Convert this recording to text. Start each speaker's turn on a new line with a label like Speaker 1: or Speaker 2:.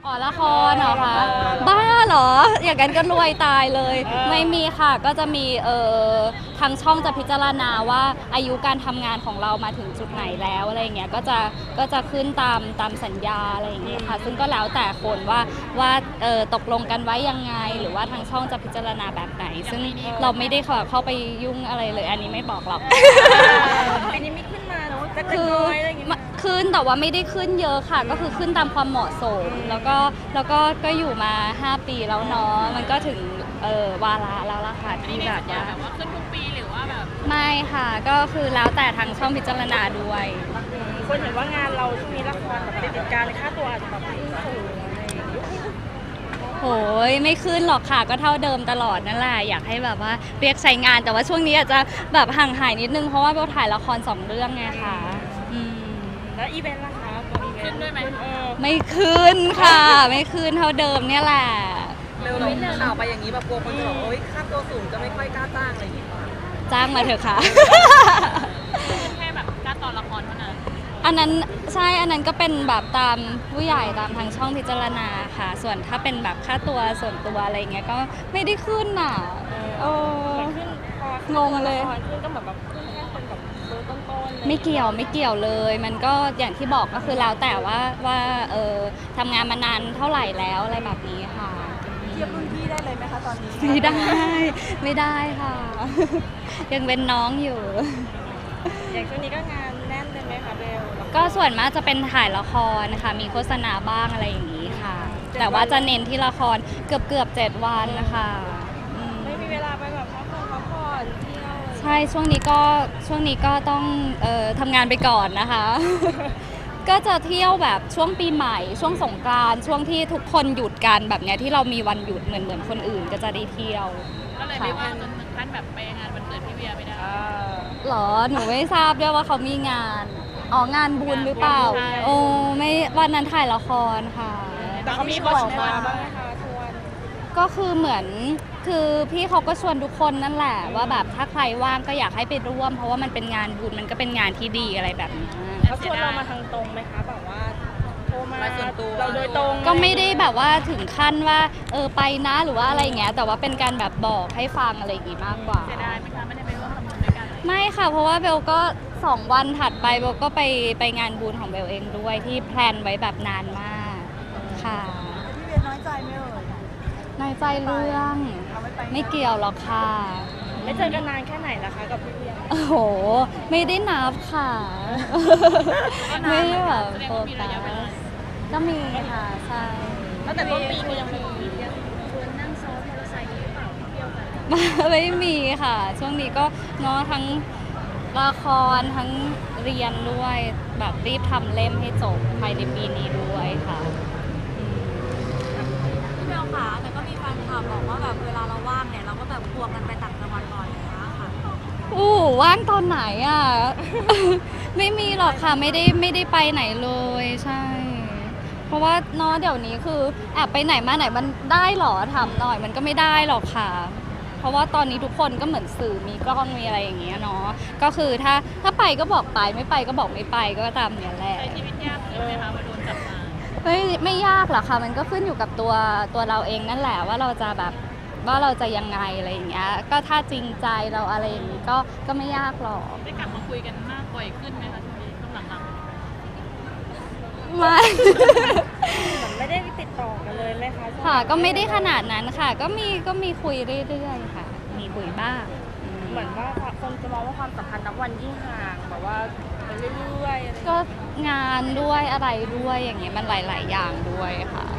Speaker 1: อ๋อละครเหรอคะบ้าเหรออย่างนั้นก็รวยตายเลยไม่มีค่ะก็จะมีทางช่องจะพิจารณาว่าอายุการทำงานของเรามาถึงจุดไหนแล้วอะไรอย่างเงี้ยก็จะขึ้นตามสัญญาอะไรอย่างเงี้ยค่ะซึ่งก็แล้วแต่คนว่าตกลงกันไว้ยังไงหรือว่าทางช่องจะพิจารณาแบบไหนซึ่งเราไม่ได้เข้าไปยุ่งอะไรเลยอันนี้ไม่บอกหรอก
Speaker 2: ปีนี้ไม่ขึ้นมาเนาะจะ
Speaker 1: คือ
Speaker 2: น้อยอะไรอย่างเงี้ย
Speaker 1: ขึ้นแต่ว่าไม่ได้ขึ้นเยอะค่ะ ก็คือขึ้นตามความเหมาะสมแล้วก็อยู่มา 5 ปีแล้วเนาะมันก็ถึงวาระแล้วล่ะค่ะที่แบบว่า
Speaker 3: ขึ้นทุกปีหรือว่าแบบ
Speaker 1: ไม่ค่ะก็คือแล้วแต่ทางช่องพิจารณาด้วย
Speaker 2: คนเห็นว่างานเราช่วงนี้ละครแบบติดการค่าตัวอาจจะแบบขึ้นสูงอะไรอย่างเงี้ย
Speaker 1: โหยไม่ขึ้นหรอกค่ะก็เท่าเดิมตลอดนั่นแหละอยากให้แบบว่าเรียกใช้งานแต่ว่าช่วงนี้อาจจะแบบห่างหายนิดนึงเพราะว่าเบลถ่ายละคร2 เรื่องไงค่ะอืม
Speaker 2: แล้วอีเวนต์ล่ะคะตัวอีเวนต์
Speaker 3: ขึ้นด้วยไหม
Speaker 1: ไม่ขึ้นค่ะ ไม่ขึ้นเท่าเดิมเนี่ยแหละ
Speaker 4: เร็วเราข่าวไปอย่างนี้แบบกลัวคนจะบอกว่าโอ๊ยค่าตัวสูงจะไม่ค่อยกล้าจ้างอะไรอย่างงี้ป่ะ
Speaker 1: จ้างมาเถอะค่ะ
Speaker 3: แค่แบบการต่อละครเท่านั้น
Speaker 1: อันนั้นใช่อันนั้นก็เป็นแบบตามผู้ใหญ่ตามทางช่องพิจารณาค่ะ ส่วนถ้าเป็นแบบค่าตัวส่วนตัวอะไรเงี้ยก็ไม่ได้ขึ้นน่ะโอ้
Speaker 2: มันขึ้นพอง
Speaker 1: งเลย
Speaker 2: ละครขึ้นก็แบบขึ้นแค่คนแบบเบอร์ต้นๆเลย
Speaker 1: ไม่เกี่ยวเลย มันก็อย่างที่บอกก็คือแล้วแต่ว่าทำงานมานานเท่าไหร่แล้วอะไรแบบนี้ค่ะ
Speaker 2: เทียบรุ่นพี่ได้เลยไหมคะตอนนี้
Speaker 1: ไม่ได้ค่ะ ยังเป็นน้องอยู่
Speaker 2: อย่างช่วงนี้ก็งานแน่นเลยไหมคะเบล
Speaker 1: ก็ส่วนมากจะเป็นถ่ายละครนะคะมีโฆษณาบ้างอะไรอย่างนี้ค่ะ แต่ว่าจะเน้นที่ละครเกือบ7 วันนะคะอืม
Speaker 2: ไม่มีเวลาไปแบบพักผ่อนเที่ยว
Speaker 1: ใช่ช่วงนี้ก็ต้องทำงานไปก่อนนะคะ ก็จะเที่ยวแบบช่วงปีใหม่ช่วงสงกรานต์ช่วงที่ทุกคนหยุดกันแบบเนี้ยที่เรามีวันหยุดเหมือนคนอื่นก็จะได้เที่ยว
Speaker 3: ก็เลยไม่ว่างจนถึงขั้นแบบไปงานวันเกิดพี่เวียไม่ได้
Speaker 1: หรอหนูไม่ทราบด้วยว่าเขามีงานงานบุญหรือเปล่า
Speaker 3: ใช่
Speaker 1: โอ้ไม่วันนั้นถ่ายละครค่ะ
Speaker 2: แต่เขามีบอกมาบ้างไหมคะชวน
Speaker 1: ก็คือเหมือนคือพี่เขาก็ชวนทุกคนนั่นแหละว่าแบบถ้าใครว่างก็อยากให้ไปร่วม เพราะว่ามันเป็นงานบุญมันก็เป็นงานที่ดีอะไรแบบนี้
Speaker 2: เขาชวนเรามาทางตรงไหมคะแบบว่าโทรมา
Speaker 4: ไปส่วนตัว
Speaker 2: เราโดยตรง
Speaker 1: ก็ไม่ได้แบบว่าถึงขั้นว่าไปนะหรือว่าอะไรอย่างเงี้ยแต่ว่าเป็นการแบบบอกให้ฟังอะไรอย่างงี้มากกว่า
Speaker 3: เสียดายไหมคะไม่ได้ไปร่วมทำบุญด้วยกัน
Speaker 1: ไม่ค่ะเพราะว่าเบลก็2 วันถัดไปเบลก็ไปงานบุญของเบลเองด้วยที่แพลนไว้แบบนานมากค่ะ
Speaker 2: พี่เวียน้อยใจไหมเอ่ย
Speaker 1: น้อยใจเรื่องไม่เกี่ยวหรอกค่ะ
Speaker 2: ไม่เจอกันนานแค่ไหนนะคะกับพี่เวีย
Speaker 1: โอ้โห ไม่ได้นับค่ะ ไม่ได้แบบโฟกัสก็มีค่ะ ใช่
Speaker 2: ตั้งแต่ต้นปีก็ยังมี
Speaker 1: ไม่มีค่ะ ช่วงนี้ก็เนาะทั้งละครทั้งเรียนด้วยแบบรีบทำเล่มให้จบภายในปีนี้ด้วยค่ะ
Speaker 5: พี่เบลค่ะแต่ก็มีแฟนคลับบอกว่าแบบเวลาเราว่างเนี่ยเราก็แบบควงกันไปต่างจังหวัดบ่อยอย่างเงี้ยค่ะ
Speaker 1: ว่างตอนไหนอ่ะ ไม่มีหรอกค่ะไม่ได้ไปไหนเลยใช่ เพราะว่าเนาะเดี๋ยวนี้คือแอบไปไหนมาไหนมันได้หรอถามหน่อยมันก็ไม่ได้หรอกค่ะ เพราะว่าตอนนี้ทุกคนก็เหมือนสื่อมีกล้องมีอะไรอย่างเงี้ยเนาะก็คือถ้าไปก็บอกไปไม่ไปก็บอกไม่ไปก็ตามเนี้ยแหละ
Speaker 3: ใช้ชีวิตยากเลยไหมคะมาโดนจับมา
Speaker 1: ไม่ยากหรอกค่ะ มันก็ขึ้นอยู่กับตัวเราเองนั่นแหละว่าเราจะแบบว่าเราจะยังไงอะไรอย่างเงี้ยก็ถ้าจริงใจเราอะไรอย่างงี้ก็ไม่ยากหรอก
Speaker 3: ได้กลับมาคุยกันมากบ่อยขึ้นไหมคะช่วงนี้ช่วงหลัง
Speaker 1: ไม่
Speaker 2: เหมือนไม่ได้ติดต่อกันเลยไหมคะ
Speaker 1: ค่ะก็ไม่ได้ขนาดนั้นค่ะ ก็มีคุยเรื่อยๆค่ะ มีคุยบ้าง
Speaker 2: เหมือนว่าคนจะมองว่าความสัมพันธ์นับวันยิ่งห่างแบบว่าไปเรื่อยๆอะไรอย่างเงี้ย
Speaker 1: ก็งานด้วยอะไรด้วยอย่างเงี้ยมันหลายๆอย่างด้วยค่ะ